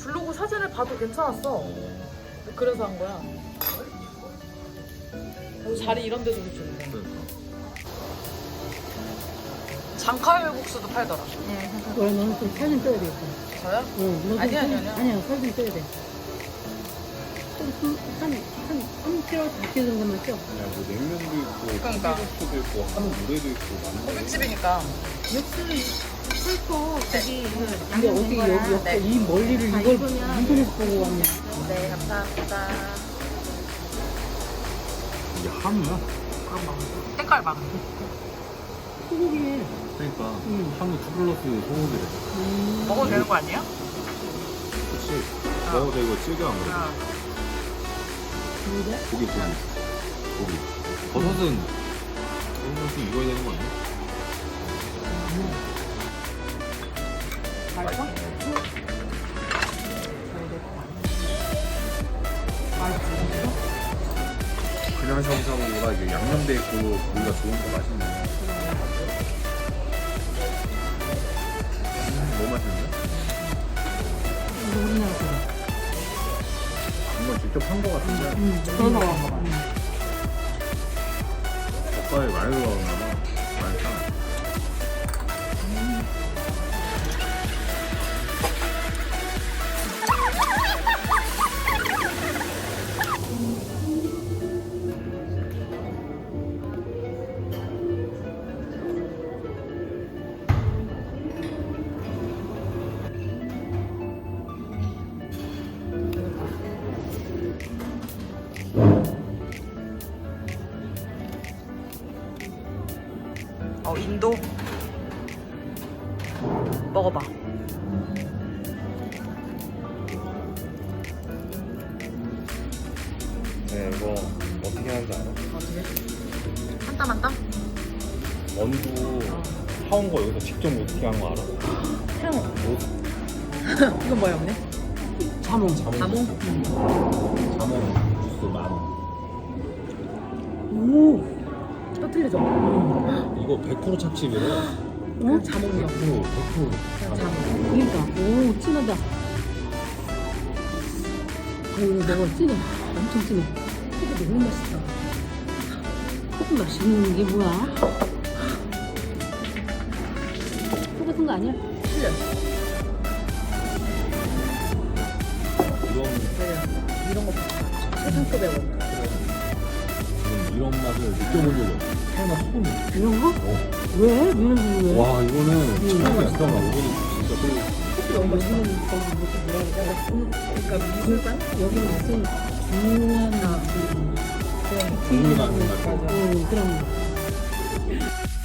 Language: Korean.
블로그 사진을 봐도 괜찮았어. 그래서 한 거야. 자리 이런 데도 좋은데. 장칼국수도 팔더라. 너는 좀 살 좀 빼야 되겠다. 저요? 응. 아니야. 아니야, 살 좀 빼야 돼. 한 kg, 4kg 정도만 쪄. 야, 뭐 냉면도 있고, 그러니까. 도 있고, 한우 물회도 있고, 많네. 고깃집이니까. 풀포 거기 근데 어떻게 여기 네. 이 멀리를 이걸 보고 왔냐? 네, 감사합니다. 이게 한우야? 그런 거. 색깔 봐. 소고기에. 그러니까 응. 한우 2 플러스 소고기래. 먹어도 되는 거 아니에요? 그치? 먹어도 이거 질겨 안 그래? 뭐래? 고기. 버섯은 익어야 되는 거 아니야? 맛있어? 그냥 샤브샤브보다 이게 양념돼 있고 고기가 좋은 거 맛있네. 너무 맛있는데? 이거 우리나라 거야. 이건 직접 한 거 같은데 그래서 그런가 봐. 젓갈이 많이 들어가나 봐. 많이 타. 인도. 먹어봐. 네, 이거 어떻게 하는지 알아? 어떻게? 한 땀 한 땀? 원두 사온 거 여기서 직접 어떻게 한 거 알아? 이건 뭐야, 언니? 자몽. 자몽? 자몽 주스 10,000원. 오. 터틀리죠? 이거 100% 찹칩이래. 어? 자몽이요. 100%. 자몽. 그러니까. 오, 진하다. 이거 먹어, 진해. 엄청 진해. 이거 너무 맛있다. 조금 맛있는 게 뭐야? 똑같은 거 아니야? 틀려. 이런 거 최상급에 먹어. 이런 맛을 느껴본 적이 없어. 설마 소금. 이런 거? 왜? 이런 거 왜? 와, 이거는 처음이야. 이거는 진짜 또 너무 맛있어. 여기는 거기 뭐지 뭐라 그래? 그러니까 미술관? 여기는 무슨 중요한 국물 같은 거. 그런 거.